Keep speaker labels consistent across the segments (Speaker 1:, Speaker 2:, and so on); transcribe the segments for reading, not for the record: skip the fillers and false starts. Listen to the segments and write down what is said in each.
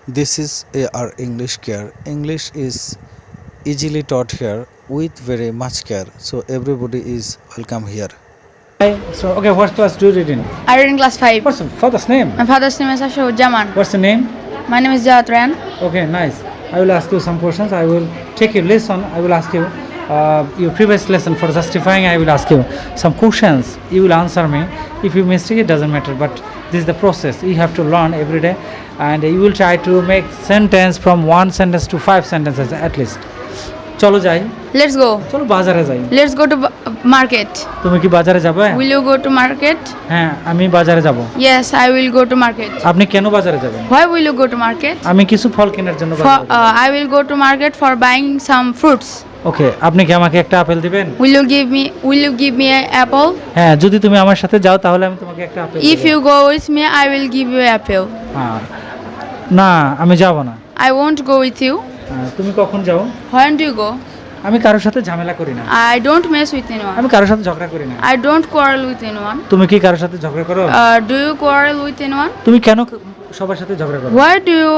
Speaker 1: This is our English care. English is easily taught here with very much care. So everybody is welcome here.
Speaker 2: So, okay, what class do you read in?
Speaker 3: I read in class 5.
Speaker 2: What's your father's name?
Speaker 3: My father's name is Ashurjaman.
Speaker 2: What's the name?
Speaker 3: My name is Jawat Ryan.
Speaker 2: Okay, nice. I will ask you some questions. I will take your lesson. I will ask you your previous lesson for justifying. I will ask you some questions. You will answer me. If you mistake, it doesn't matter. But this is the process. You have to learn every day, and you will try to make sentence from one sentence to 5 sentences at least. চলো যাই
Speaker 3: Let's go.
Speaker 2: চলো বাজারে যাই
Speaker 3: Let's go to market.
Speaker 2: তুমি কি বাজারে যাবে
Speaker 3: Will you go to market?
Speaker 2: হ্যাঁ আমি বাজারে যাব
Speaker 3: Yes, I will go to market.
Speaker 2: আপনি কেন বাজারে যাবেন
Speaker 3: Why will you go to market?
Speaker 2: আমি কিছু ফল কেনার জন্য
Speaker 3: For,
Speaker 2: বাজারে যাব
Speaker 3: I will go to market for buying some fruits.
Speaker 2: ওকে আপনি কি আমাকে একটা আপেল দিবেন
Speaker 3: Will you give me an apple?
Speaker 2: হ্যাঁ যদি তুমি আমার সাথে যাও তাহলে আমি তোমাকে একটা আপেল
Speaker 3: If
Speaker 2: দেব।
Speaker 3: you go with me, I will give you an apple.
Speaker 2: হ্যাঁ না আমি যাব না
Speaker 3: I won't go with you.
Speaker 2: তুমি কখন যাও
Speaker 3: When do you go?
Speaker 2: আমি কারোর সাথে ঝামেলা করি না
Speaker 3: I don't mess with anyone.
Speaker 2: আমি কারোর সাথে ঝগড়া করি না
Speaker 3: I don't quarrel with anyone.
Speaker 2: তুমি কি কারোর সাথে ঝগড়া করো
Speaker 3: Do you quarrel with anyone?
Speaker 2: তুমি কেন সবার সাথে ঝগড়া করো
Speaker 3: Why do you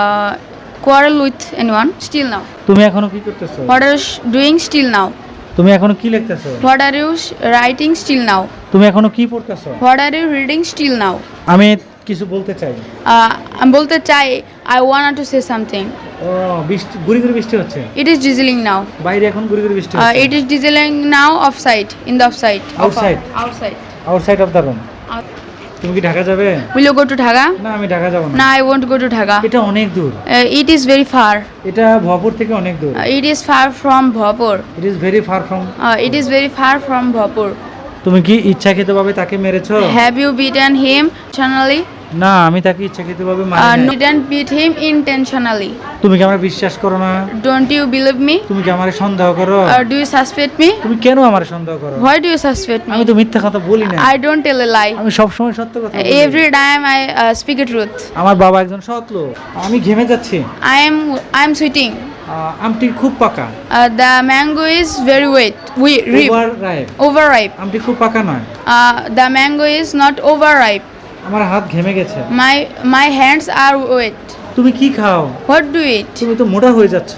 Speaker 3: quarrel with anyone? Still now.
Speaker 2: তুমি এখনো কি করতেছো
Speaker 3: What are you doing still now?
Speaker 2: তুমি এখনো কি লিখতেছো
Speaker 3: What are you writing still now?
Speaker 2: তুমি এখনো কি পড়তেছো
Speaker 3: What are you reading still now?
Speaker 2: আমি কিছু বলতে চাই
Speaker 3: আমি বলতে চাই I wanted to say something.
Speaker 2: ও বৃষ্টি গুড়ি গুড়ি বৃষ্টি হচ্ছে
Speaker 3: It is drizzling now.
Speaker 2: বাইরে এখন গুড়ি গুড়ি বৃষ্টি হচ্ছে
Speaker 3: It is drizzling now offside. In the offside.
Speaker 2: Outside?
Speaker 3: Outside.
Speaker 2: Outside of the room তুমি কি ঢাকা যাবে
Speaker 3: Will you go to Dhaka?
Speaker 2: না আমি ঢাকা যাব না
Speaker 3: No, I won't go to Dhaka.
Speaker 2: এটা অনেক দূর
Speaker 3: It is very far.
Speaker 2: এটা ভবপুর থেকে অনেক দূর
Speaker 3: It is far from Bhopur.
Speaker 2: It is very far from
Speaker 3: It is very far from Bhopur.
Speaker 2: তুমি কি ইচ্ছাকৃতভাবে তাকে মেরেছো
Speaker 3: Have you beaten him intentionally?
Speaker 2: না আমি তাকে ইচ্ছাকৃতভাবে মারি
Speaker 3: No,
Speaker 2: নাই।
Speaker 3: didn't beat him intentionally.
Speaker 2: তুমি কি আমার বিশ্বাস করো না
Speaker 3: Don't you believe me?
Speaker 2: তুমি কি আমার সন্দেহ করো
Speaker 3: Do you suspect me?
Speaker 2: তুমি কেন আমার সন্দেহ করো
Speaker 3: Why do you suspect
Speaker 2: আমি
Speaker 3: me?
Speaker 2: তো মিথ্যা কথা বলি না
Speaker 3: I don't tell a lie.
Speaker 2: আমি সব সময় সত্য কথা বলি
Speaker 3: Every time I speak the truth.
Speaker 2: আমার বাবা একজন সৎ লোক আমি ঘেমে যাচ্ছি
Speaker 3: I am sweating.
Speaker 2: আমটি খুব পাকা
Speaker 3: The mango is very wet.
Speaker 2: Over ripe
Speaker 3: Overripe.
Speaker 2: আমটি খুব পাকা নয়
Speaker 3: The mango is not overripe.
Speaker 2: আমার হাত ঘেমে গেছে
Speaker 3: My hands are wet.
Speaker 2: তুমি কি খাও
Speaker 3: What do you eat?
Speaker 2: তুমি তো মোটা হয়ে যাচ্ছ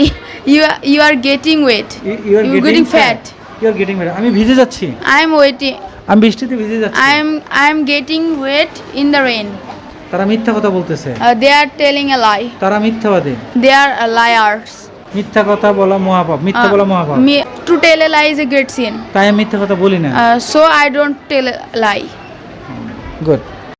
Speaker 3: You are getting wet.
Speaker 2: You are
Speaker 3: You're getting fat.
Speaker 2: You are getting আমি ভিজে যাচ্ছি
Speaker 3: I am waiting.
Speaker 2: আমি বৃষ্টিতে ভিজে যাচ্ছি
Speaker 3: I am getting wet in the rain.
Speaker 2: তারা মিথ্যা কথা বলতেছে
Speaker 3: They are telling a lie.
Speaker 2: তারা মিথ্যাবাদী
Speaker 3: They are liars.
Speaker 2: মিথ্যা কথা বলা মহাপাপ মিথ্যা বলা মহাপাপ
Speaker 3: To tell a lie is a great sin.
Speaker 2: তাই আমি মিথ্যা কথা বলি না
Speaker 3: So I don't tell a lie.
Speaker 2: Good